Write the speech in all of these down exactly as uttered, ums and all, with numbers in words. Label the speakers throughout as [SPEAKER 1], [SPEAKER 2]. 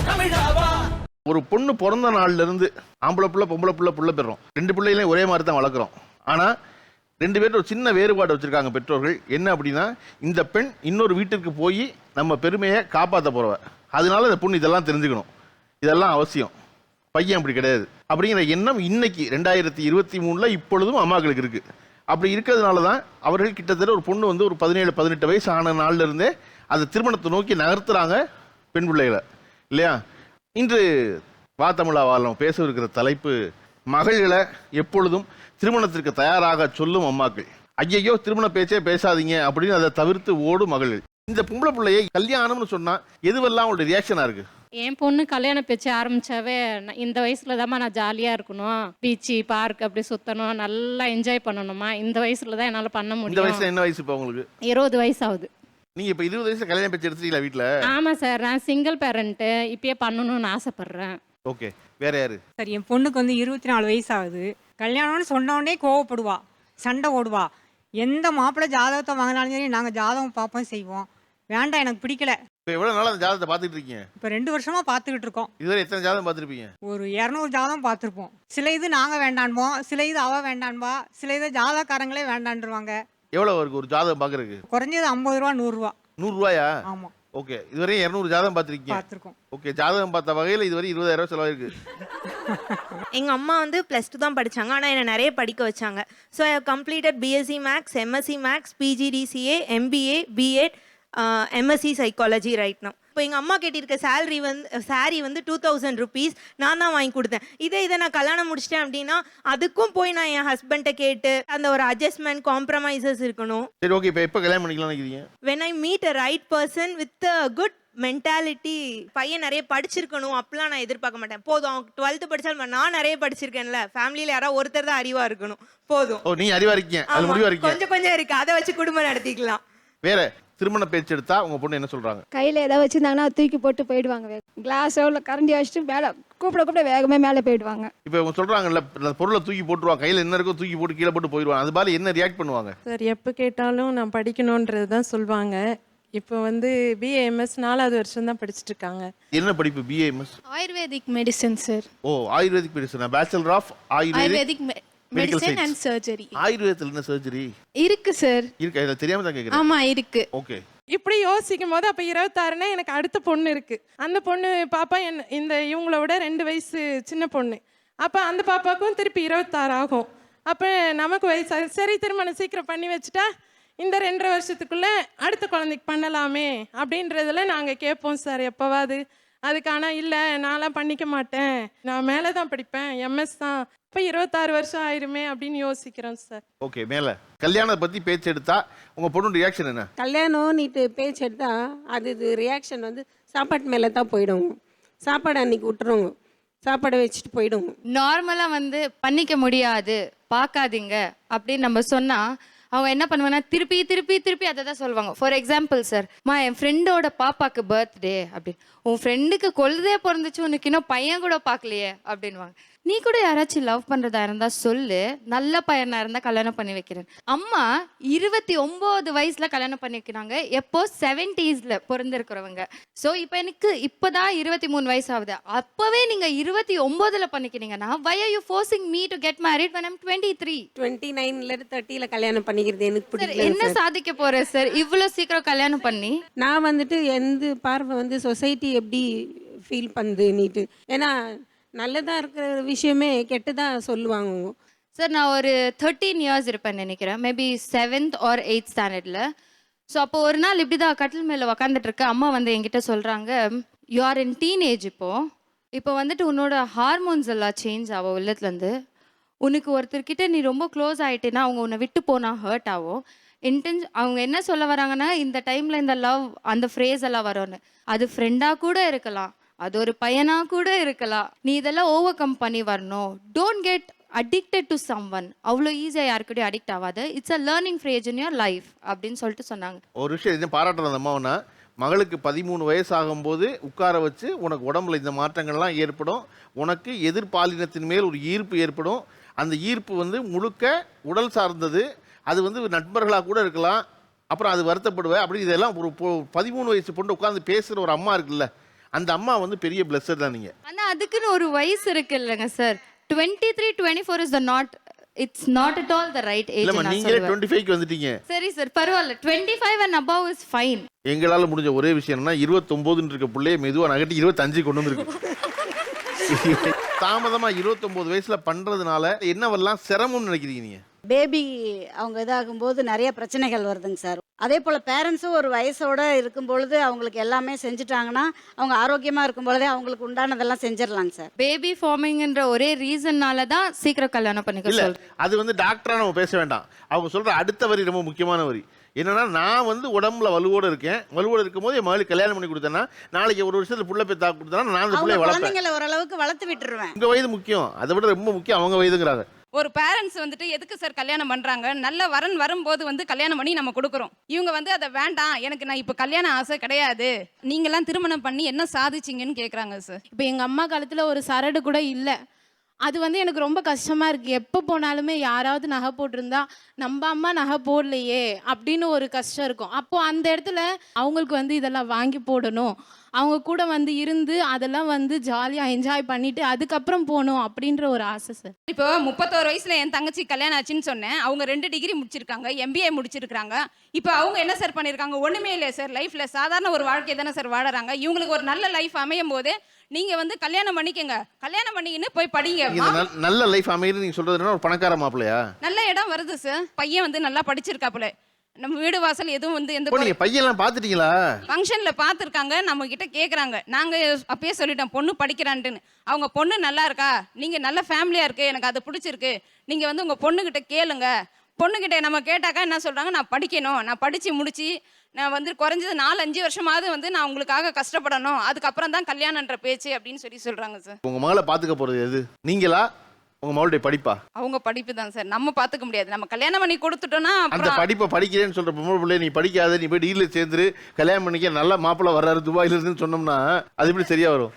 [SPEAKER 1] ஒரு பொண்ணு பிறந்த நாள்ல இருந்து ஆம்பளை புள்ள பொம்பளை புள்ள புள்ள பெறோம். ரெண்டு பிள்ளைகளையும் ஒரே மாதிரி தான் வளர்க்குறோம். ஆனா ரெண்டு பேரும் ஒரு சின்ன வேறுபாடு வச்சிருக்காங்க பெற்றோர்கள். என்ன அப்படின்னா, இந்த பெண் இன்னொரு வீட்டிற்கு போய் நம்ம பெருமையை காப்பாற்ற போறவ, அதனால இந்த பொண்ணு இதெல்லாம் தெரிஞ்சுக்கணும், இதெல்லாம் அவசியம். பையன் அப்படி கிடையாது அப்படிங்கிற எண்ணம் இன்னைக்கு ரெண்டாயிரத்தி இருபத்தி மூணுல இப்பொழுதும் அம்மாக்களுக்கு இருக்கு. அப்படி இருக்கிறதுனால தான் அவர்கள் கிட்டத்தட்ட ஒரு பொண்ணு வந்து ஒரு பதினேழு பதினெட்டு வயசு ஆன நாள்ல இருந்தே அந்த திருமணத்தை நோக்கி நகர்த்துறாங்க பெண் பிள்ளைகளை, இல்லையா? இன்று வா தமிழா வாழம் பேச இருக்கிற தலைப்பு, மகள்களை எப்பொழுதும் திருமணத்திற்கு தயாராக சொல்லும் அம்மாக்கள். ஐயையோ திருமண பேச்சே பேசாதீங்க அப்படின்னு அதை தவிர்த்து ஓடும் மகள்கள். இந்த பொம்பளை பிள்ளையை கல்யாணம்னு சொன்னா எதுவெல்லாம் அவங்களோட ரியாக்ஷனா இருக்கு?
[SPEAKER 2] என் பொண்ணு கல்யாணம் பேச்சு ஆரம்பிச்சாவே இந்த வயசுல தான்மா நான் ஜாலியா இருக்கணும், பீச்சு பார்க் அப்படி சுத்தணும், நல்லா என்ஜாய் பண்ணணுமா, இந்த வயசுல தான் என்னால பண்ண
[SPEAKER 1] இந்த
[SPEAKER 2] முடியும்.
[SPEAKER 1] வயசுல என்ன வயசு இப்போ உங்களுக்கு?
[SPEAKER 2] இருபது வயசு ஆகுது.
[SPEAKER 1] நீங்க இப்ப இருபது வயசுல கல்யாணம் பேச்சு எடுத்துட்டீங்களா வீட்டுல?
[SPEAKER 2] ஆமா சார், நான் சிங்கிள் பேரண்ட், இப்பயே பண்ணணும்னு ஆசைப்படுறேன்.
[SPEAKER 1] ஓகே, வேற யாரு?
[SPEAKER 3] சார், என் பொண்ணுக்கு வந்து இருபத்தி நாலு வயசு ஆகுது. கல்யாணம்னு சொன்னோடனே கோவப்படுவா, சண்டை ஓடுவா. எந்த மாப்பிள்ளை ஜாதகத்தை வாங்கினாலும் சரி நாங்கள் ஜாதகம் பார்ப்போம் செய்வோம். வேண்டாம் எனக்கு பிடிக்கல.
[SPEAKER 1] இப்போ எவ்வளவு நாளா அந்த ஜாதகத்தை பார்த்துட்டு இருக்கீங்க?
[SPEAKER 3] இப்போ ரெண்டு வருஷமா பார்த்துக்கிட்டு இருக்கோம்.
[SPEAKER 1] இதுவரை எத்தனை ஜாதகம் பார்த்துருப்பீங்க?
[SPEAKER 3] ஒரு இரநூறு ஜாதகம் பார்த்துருப்போம். சில இது நாங்கள் வேண்டான்போம், சில இது அவ வேண்டான்பா, சில இது ஜாதகக்காரங்களே வேண்டான்ருவாங்க.
[SPEAKER 1] எவ்வளவு இருக்கு ஒரு ஜாதகம் பார்க்கறதுக்கு?
[SPEAKER 3] குறைஞ்சது ஐம்பது ரூபா நூறுரூவா.
[SPEAKER 1] நூறுரூவாயா?
[SPEAKER 3] ஆமாம்,
[SPEAKER 1] ஓகே. இதுவரை இரநூறு ஜாதகம் பார்த்துருக்கீங்க?
[SPEAKER 3] பார்த்துருக்கோம்.
[SPEAKER 1] ஓகே, ஜாதகம் பார்த்த வகையில் இதுவரை இருபதாயிரம் ரூபாய் செலவாயிருக்கு.
[SPEAKER 4] எங்கள் அம்மா வந்து ப்ளஸ் டூ தான் படித்தாங்க, ஆனால் என்னை நிறைய படிக்க வச்சாங்க. So I have completed BSc maths, MSc maths, PGDCA, MBA, BEd, MSc psychology right now. இப்போ எங்கள் அம்மா கேட்டிருக்க சேலரி வந்து சாரீ வந்து டூ தௌசண்ட் ருபீஸ் நான் தான் வாங்கி கொடுத்தேன். இதே இதை நான் கல்யாணம் முடிச்சிட்டேன் அப்படின்னா அதுக்கும் போய் நான் என் ஹஸ்பண்டை கேட்டு அந்த ஒரு அட்ஜஸ்ட்மெண்ட், காம்ப்ரமைசஸ் இருக்கணும்.
[SPEAKER 1] சரி, ஓகே. இப்போ எப்போ கல்யாணம் பண்ணிக்கலாம் நினைக்கிறீங்க?
[SPEAKER 4] When I meet a right person with a good mentality. பையன் நிறைய படிச்சிருக்கணும் அப்படிலாம் நான் எதிர்பார்க்க மாட்டேன். போதும் அவங்க டுவெல்த்து படிச்சாலும் நான் நிறைய படிச்சிருக்கேன்ல, ஃபேமிலியில் யாராவது ஒருத்தர் தான் அறிவா இருக்கணும், போதும்.
[SPEAKER 1] ஓ, நீ அறிவா இருக்கீங்க, அது முடிவா இருக்கீங்க.
[SPEAKER 4] கொஞ்சம் கொஞ்சம் இருக்கு, அதை வச்சு குடும்பம் நடத்திக்கலாம்.
[SPEAKER 1] வேற திருமண பேச்சு எடுத்தா உங்க பொண்ணு என்ன சொல்றாங்க?
[SPEAKER 5] கையில் ஏதாவது வச்சுருந்தாங்கன்னா தூக்கி போட்டு போயிடுவாங்க. கிளாஸோ இல்லை கரண்டி வச்சுட்டு மேலே கூப்பிட கூப்பிட வேகமே மேலே போயிடுவாங்க. இப்போ
[SPEAKER 1] இவங்க சொல்றாங்கல்ல, அந்த பொருளை தூக்கி போட்டுருவாங்க, கையில் என்ன இருக்கோ தூக்கி போட்டு கீழே போட்டு போயிடுவாங்க. அது மாதிரி என்ன ரியாக்ட் பண்ணுவாங்க?
[SPEAKER 6] சார், எப்போ கேட்டாலும் நான் படிக்கணுன்றது தான் சொல்லுவாங்க. இப்போ வந்து பிஏஎம்எஸ் நாலாவது வருஷம் தான் படிச்சுட்டு இருக்காங்க.
[SPEAKER 1] என்ன படிப்பு? BAMS
[SPEAKER 7] Ayurvedic medicine sir.
[SPEAKER 1] ஓ, Ayurvedic medicine, bachelor of Ayurvedic
[SPEAKER 7] medicine and surgery.
[SPEAKER 1] ஆயுர்வேதத்துல என்ன சர்ஜரி
[SPEAKER 7] இருக்கு சார்?
[SPEAKER 1] இருக்கு, இத தெரியாம தான் கேக்குறேன்.
[SPEAKER 7] ஆமா இருக்கு.
[SPEAKER 1] ஓகே.
[SPEAKER 6] இப்படி யோசிக்கும் போது அப்போ இருபத்தாறுனா எனக்கு அடுத்த பொண்ணு இருக்கு. அந்த பொண்ணு பாப்பா என் இந்த இவங்கள விட ரெண்டு வயசு சின்ன பொண்ணு. அப்போ அந்த பாப்பாவுக்கும் திருப்பி இருபத்தாறு ஆகும். அப்போ நமக்கு வயசு, சரி திருமணம் சீக்கிரம் பண்ணி வச்சுட்டா இந்த ரெண்டரை வருஷத்துக்குள்ள அடுத்த குழந்தைக்கு பண்ணலாமே அப்படின்றதுல நாங்கள் கேட்போம் சார் எப்போவாது. அதுக்கான இல்லை நான்லாம் பண்ணிக்க மாட்டேன், நான் மேலே தான் படிப்பேன், எம்எஸ் தான், இப்போ இருபத்தாறு வருஷம் ஆயிருமே அப்படின்னு யோசிக்கிறோம் சார்.
[SPEAKER 1] ஓகே. மேலே கல்யாணத்தை பற்றி பேச்சு எடுத்தா உங்கள் பொண்ணு ரியாக்ஷன் என்ன?
[SPEAKER 8] கல்யாணம் நீட்டு பேச்சு எடுத்தா அது இது ரியாக்ஷன் வந்து சாப்பாட்டு மேலே தான் போயிடும். சாப்பாடு அன்னைக்கு விட்டுருவோங்க, சாப்பாடை வச்சுட்டு போயிடுவோங்க.
[SPEAKER 7] நார்மலாக வந்து பண்ணிக்க முடியாது, பார்க்காதீங்க அப்படின்னு நம்ம சொன்னால் அவங்க என்ன பண்ணுவாங்கன்னா திருப்பி திருப்பி திருப்பி அதை தான் சொல்லுவாங்க. ஃபார் எக்ஸாம்பிள் சார், மா என் ஃப்ரெண்டோட பாப்பாக்கு பர்த்டே அப்படின்னு, உன் ஃப்ரெண்டுக்கு கொழுதே பிறந்துச்சு, உனக்கு இன்னும் பையன் கூட பார்க்கலையே அப்படின்வாங்க. நீ கூட யாராச்சும் லவ் பண்ணுறதா இருந்தால் சொல்லு, நல்ல பையனாக இருந்தால் கல்யாணம் பண்ணி வைக்கிறேன். அம்மா இருபத்தி ஒம்பது வயசில் கல்யாணம் பண்ணி வைக்கிறாங்க, எப்போ செவன்டீஸில் பிறந்திருக்கிறவங்க. ஸோ இப்போ எனக்கு இப்போ தான் இருபத்தி மூணு வயசு ஆகுது, அப்போவே நீங்கள் இருபத்தி ஒம்போதில் பண்ணிக்கிறீங்கன்னா why are you forcing me to get married when I'm twenty-three?
[SPEAKER 8] Twenty நைன்லேருந்து தேர்ட்டியில் கல்யாணம் பண்ணிக்கிறது எனக்கு
[SPEAKER 7] சார்,
[SPEAKER 8] பிடிக்கல.
[SPEAKER 7] என்ன சாதிக்க போகிறேன் சார் இவ்வளோ சீக்கிரம் கல்யாணம் பண்ணி?
[SPEAKER 8] நான் வந்துட்டு எந்த பார்வை வந்து சொசைட்டி எப்படி ஃபீல் பண்ணுது நீட்டு, ஏன்னா நல்லதாக இருக்கிற விஷயமே கெட்டதாக சொல்லுவாங்க
[SPEAKER 7] சார். நான் ஒரு தேர்ட்டீன் இயர்ஸ் இருப்பேன் நினைக்கிறேன், மேபி செவன்த் ஆர் எயித் ஸ்டாண்டர்டில். ஸோ அப்போ ஒரு நாள் இப்படி தான் கட்டில் மேலே உக்காந்துட்டு இருக்க, அம்மா வந்து என்கிட்ட சொல்கிறாங்க, யூ ஆர் இன் டீனேஜ், இப்போது இப்போ வந்துட்டு உன்னோட ஹார்மோன்ஸ் எல்லாம் சேஞ்ச் ஆகும் உள்ளத்துலேருந்து. உனக்கு ஒருத்தர்கிட்ட நீ ரொம்ப க்ளோஸ் ஆகிட்டேன்னா அவங்க உன்னை விட்டு போனால் ஹர்ட் ஆகும். இன்டென்ஸ் அவங்க என்ன சொல்ல வராங்கன்னா, இந்த டைமில் இந்த லவ் அந்த ஃப்ரேஸ் எல்லாம் வரும்னு, அது ஃப்ரெண்டாக கூட இருக்கலாம், அது ஒரு பையனாக கூட இருக்கலாம், நீ இதெல்லாம் ஓவர் கம் பண்ணி வரணும். Don't get addicted to someone. அவ்வளோ ஈஸியாக யாருக்கிட்டையும் அடிக்ட் ஆகாது. It's a learning phrase in your life அப்படின்னு சொல்லிட்டு சொன்னாங்க.
[SPEAKER 1] ஒரு விஷயம் இது பாராட்டுறது அந்த அம்மாவனா, மகளுக்கு பதிமூணு வயசு ஆகும்போது உட்கார வச்சு உனக்கு உடம்புல இந்த மாற்றங்கள்லாம் ஏற்படும், உனக்கு எதிர்பாலினத்தின் மேல் ஒரு ஈர்ப்பு ஏற்படும், அந்த ஈர்ப்பு வந்து முழுக்க உடல் சார்ந்தது, அது வந்து நண்பர்களாக கூட இருக்கலாம், அப்புறம் அது வருத்தப்படுவேன் அப்படி, இதெல்லாம் ஒரு பதிமூணு வயசு பொண்ணு உட்காந்து பேசுகிற ஒரு அம்மா இருக்குல்ல, அந்த அம்மா வந்து பெரிய பிளஸர் தான் நீங்க.
[SPEAKER 7] ஆனா அதுக்குன்னு ஒரு வயசு இருக்கு இல்லைங்க sir. Twenty three twenty four is the not it's not at all the right age.
[SPEAKER 1] இல்லம்மா நீங்களே இருபத்தி ஐந்துக்கு வந்துட்டீங்க.
[SPEAKER 7] சரி சார் பரவாயில்ல. Twenty five and above is fine.
[SPEAKER 1] எங்களால முடிஞ்ச ஒரே விஷயம் என்னன்னா இருபத்தி ஒன்பதுன்னு இருக்க புள்ளைய மெதுவா நகட்டி இருபத்தி அஞ்சு கொண்டு வந்திருக்கு. தாமதமா இருபத்தி ஒன்பது வயசுல பண்றதுனால என்னவெல்லாம் சிரமம்னு நினைக்கிறீங்க நீங்க?
[SPEAKER 9] பேபி அவங்க இதாகும்போது நிறைய பிரச்சனைகள் வருதுங்க சார். அதே போல் பேரண்ட்ஸும் ஒரு வயசோடு இருக்கும் பொழுது அவங்களுக்கு எல்லாமே செஞ்சுட்டாங்கன்னா அவங்க ஆரோக்கியமாக இருக்கும் பொழுதே அவங்களுக்கு உண்டானதெல்லாம் செஞ்சிடலாங்க சார்.
[SPEAKER 7] பேபி ஃபார்மிங்ன்ற ஒரே ரீசன்னால தான் சீக்கிரம் கல்யாணம் பண்ணிக்க
[SPEAKER 1] இல்ல
[SPEAKER 7] சொல்றேன்.
[SPEAKER 1] அது வந்து டாக்டரா நம்ம பேச வேண்டாம். அவங்க சொல்ற அடுத்த வரி ரொம்ப முக்கியமான வரி. என்னன்னா நான் வந்து உடம்புல வலுவோட இருக்கேன், வலுவோட இருக்கும் போது என் மகளுக்கு கல்யாணம் பண்ணி கொடுத்தேன்னா நாளைக்கு ஒரு வருஷத்துல புள்ள போய் தாக்கு கொடுத்தா நான் அந்த
[SPEAKER 9] அவங்க
[SPEAKER 1] பிள்ளைய வளர்ப்பேன்.
[SPEAKER 9] குழந்தைங்களை ஓரளவுக்கு வளர்த்து விட்டுருவேன்.
[SPEAKER 1] உங்க வயது முக்கியம், அதை விட ரொம்ப முக்கியம் அவங்க வயதுங்கிறாங்க.
[SPEAKER 10] ஒரு பேரண்ட்ஸ் வந்துட்டு எதுக்கு சார் கல்யாணம் பண்ணுறாங்க? நல்ல வரன் வரும்போது வந்து கல்யாணம் பண்ணி நம்ம கொடுக்குறோம். இவங்க வந்து அதை வேண்டாம், எனக்கு நான் இப்போ கல்யாணம் ஆசை கிடையாது, நீங்களாம் திருமணம் பண்ணி என்ன சாதிச்சிங்கன்னு கேட்குறாங்க சார்.
[SPEAKER 2] இப்போ எங்கள் அம்மா காலத்தில் ஒரு சரடு கூட இல்லை. அது வந்து எனக்கு ரொம்ப கஷ்டமாக இருக்குது. எப்போ போனாலுமே யாராவது நகை போட்டிருந்தா நம்ம அம்மா நகை போடலையே அப்படின்னு ஒரு கஷ்டம் இருக்கும். அப்போது அந்த இடத்துல அவங்களுக்கு வந்து இதெல்லாம் வாங்கி போடணும், அவங்க கூட வந்து இருந்து அதெல்லாம் வந்து ஜாலியாக என்ஜாய் பண்ணிவிட்டு அதுக்கப்புறம் போகணும் அப்படின்ற ஒரு ஆசை சார்.
[SPEAKER 10] இப்போ முப்பத்தோரு வயசுல என் தங்கச்சி கல்யாணம் ஆச்சுன்னு சொன்னேன். அவங்க ரெண்டு டிகிரி முடிச்சிருக்காங்க, எம்பிஏ முடிச்சிருக்காங்க. இப்போ அவங்க என்ன சார் பண்ணியிருக்காங்க? ஒன்றுமே இல்லை சார். லைஃப்பில் சாதாரண ஒரு வாழ்க்கை தானே சார் வாழறாங்க. இவங்களுக்கு ஒரு நல்ல லைஃப் அமையும் போது நீங்க வந்து கல்யாணம் பண்ணிக்கங்க, கல்யாணம் பண்ணிக்கின்னு போய் படிங்க.
[SPEAKER 1] நல்ல லைஃப் அமையுது நீங்க சொல்றது ஒரு பணக்கார மாப்பிள்ளையா?
[SPEAKER 10] நல்ல இடம் வருது சார். பையன் வந்து நல்லா படிச்சிருக்காப்புல. நம்ம வீடு வாசல் எதுவும் வந்து எந்த
[SPEAKER 1] நீங்க பையெல்லாம் பாத்துட்டீங்களா?
[SPEAKER 10] ஃபங்க்ஷன்ல பாத்துருக்காங்க, நம்ம கிட்ட கேக்குறாங்க. நாங்க அப்பயே சொல்லிட்டோம் பொண்ணு படிக்கிறான்ட்டுன்னு. அவங்க பொண்ணு நல்லா இருக்கா, நீங்க நல்ல ஃபேமிலியா இருக்கு, எனக்கு அது பிடிச்சிருக்கு, நீங்க வந்து உங்க பொண்ணு கிட்ட கேளுங்க. பொண்ணுகிட்ட நம்ம கேட்டாக்கா என்ன சொல்றாங்க? நான் படிக்கணும், நான் படிச்சு முடிச்சு நான் வந்து குறைஞ்சது நாலு அஞ்சு வருஷமாவது வந்து நான் உங்களுக்காக கஷ்டப்படணும், அதுக்கப்புறம் தான் கல்யாணன்ற பேச்சு அப்படின்னு சொல்லி சொல்றாங்க சார்.
[SPEAKER 1] உங்க மகளை பாத்துக்க போறது எது, நீங்களா உங்க மகளுடைய படிப்பா?
[SPEAKER 10] அவங்க படிப்பு தான் சார், நம்ம பாத்துக்க முடியாது. நம்ம கல்யாணம் பண்ணி கொடுத்துட்டோம்னா
[SPEAKER 1] அந்த படிப்பை படிக்கிறேன்னு சொல்ற பொம்பளை பிள்ளை நீ படிக்காத, நீ போய் டீல சேர்ந்துரு, கல்யாணம் பண்ணிக்க, நல்ல மாப்பிள்ளை வர்றாரு துபாயில இருந்துன்னு சொன்னோம்னா அது எப்படி சரியா வரும்?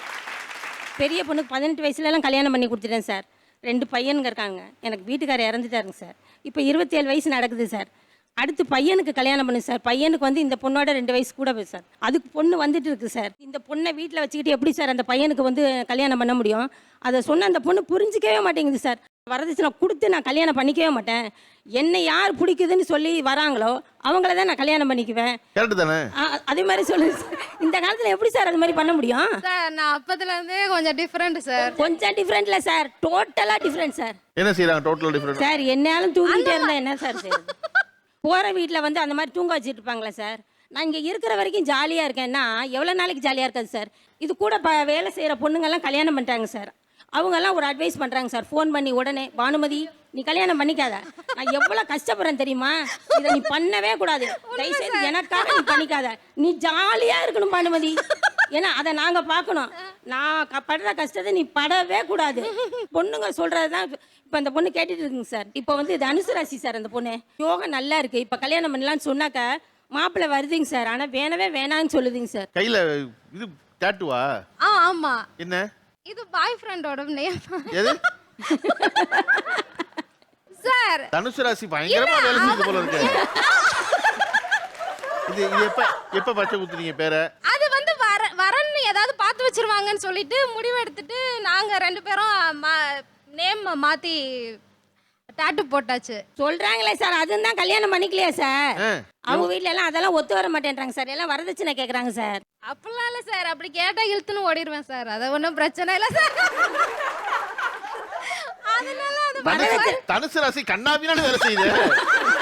[SPEAKER 11] பெரிய பொண்ணுக்கு பதினெட்டு வயசுலலாம் கல்யாணம் பண்ணி கொடுத்துட்டேன் சார். ரெண்டு பையனுங்க இருக்காங்க. எனக்கு வீட்டுக்காரர் இறந்துட்டாருங்க சார். இப்போ இருபத்தி ஏழு வயசு நடக்குது சார். அடுத்து பையனுக்கு கல்யாணம் பண்ணு சார். பையனுக்கு வந்து இந்த பொண்ணோட ரெண்டு வயசு கூட போய் சார். அதுக்கு பொண்ணு வந்துட்டு இருக்கு சார். இந்த பொண்ணை வீட்டில் வச்சுக்கிட்டு எப்படி சார் அந்த பையனுக்கு வந்து கல்யாணம் பண்ண முடியும்? அதை சொன்ன அந்த பொண்ணு புரிஞ்சிக்கவே மாட்டேங்குது சார். வரதட்சணை கொடுத்து நான் கல்யாணம் பண்ணிக்கவே மாட்டேன், என்னை யார் பிடிக்குதுன்னு சொல்லி வராங்களோ அவங்கள தான் நான் கல்யாணம் பண்ணிக்குவேன்.
[SPEAKER 1] கரெக்ட் தானே?
[SPEAKER 11] அதே மாதிரி சொல்லுங்க சார். இந்த காலத்தில் எப்படி சார் அது மாதிரி பண்ண முடியும்?
[SPEAKER 2] சார் நான் அப்பத்துலேருந்தே கொஞ்சம் டிஃப்ரெண்ட் சார்.
[SPEAKER 11] கொஞ்சம் டிஃப்ரெண்ட் இல்லை சார், டோட்டலாக டிஃப்ரெண்ட் சார்.
[SPEAKER 1] என்ன செய்யறாங்க டோட்டல் டிஃப்ரெண்ட்?
[SPEAKER 11] சார் என்னாலும் தூங்கிட்டே இருந்தால் என்ன சார் செய்யுது? போகிற வீட்டில் வந்து அந்த மாதிரி தூங்க வச்சுட்டு இருப்பாங்களே சார். நான் இங்கே இருக்கிற வரைக்கும் ஜாலியாக இருக்கேன்னா எவ்வளோ நாளைக்கு ஜாலியாக இருக்காது சார். இது கூட ப வேலை செய்கிற பொண்ணுங்கள்லாம் கல்யாணம் பண்ணிட்டாங்க சார். அவங்கெல்லாம் ஒரு அட்வைஸ் பண்ணுறாங்க சார் ஃபோன் பண்ணி உடனே, பானுமதி நீ கல்யாணம் பண்ணிக்காத, நான் எவ்வளோ கஷ்டப்படுறேன் தெரியுமா, இதை நீ பண்ணவே கூடாது, தயவுசெய்து எனக்காக நீ பண்ணிக்காத, நீ ஜாலியாக இருக்கணும் பானுமதி, ஏன்னா அதை நாங்கள் பார்க்கணும், நான் க படுற கஷ்டத்தை நீ படவே கூடாது. பொண்ணுங்க சொல்கிறது தான் இப்போ அந்த பொண்ணு கேட்டுட்டு இருக்குங்க சார். இப்போ வந்து இது அனுசராசி சார். அந்த பொண்ணு யோகம் நல்லா இருக்குது, இப்போ கல்யாணம் பண்ணலான்னு சொன்னாக்க மாப்பிள்ளை வருதுங்க சார். ஆனால் வேணவே வேணான்னு சொல்லுதுங்க சார்.
[SPEAKER 1] கையில் இது டாட்டுவா?
[SPEAKER 2] ஆ ஆமாம்.
[SPEAKER 1] என்ன
[SPEAKER 2] இது பாய் ஃப்ரெண்டோட நேம்.
[SPEAKER 1] எது
[SPEAKER 2] சார்
[SPEAKER 1] தனுசு ராசி பயங்கரமா வேலை செய்யுது போல இருக்கு. இது இது எப்ப எப்ப பச்சை குத்துறீங்க பேரை?
[SPEAKER 2] அது வந்து வர வரன்னு ஏதாவது பார்த்து வச்சிருவாங்கன்னு சொல்லிட்டு முடிவு எடுத்துட்டு நாங்க ரெண்டு பேரும் நேம் மாத்தி டாட்டு போட்டாச்சு.
[SPEAKER 11] சொல்றாங்களே சார், அதுவும் தான் கல்யாணம் பண்ணிக்கலையா சார்? அவங்க வீட்ல எல்லாம் அதெல்லாம் ஒத்து வர மாட்டேன்றாங்க சார். எல்லாம் வரதட்சணை கேக்குறாங்க சார்.
[SPEAKER 2] அப்படிலாம் இல்லை சார், அப்படி கேட்டா இழுத்துன்னு ஓடிடுவேன் சார், அது ஒன்றும் பிரச்சனை இல்லை சார்.
[SPEAKER 1] தனுசு ராசி கண்ணாபின்னு வேலை செய்யுது.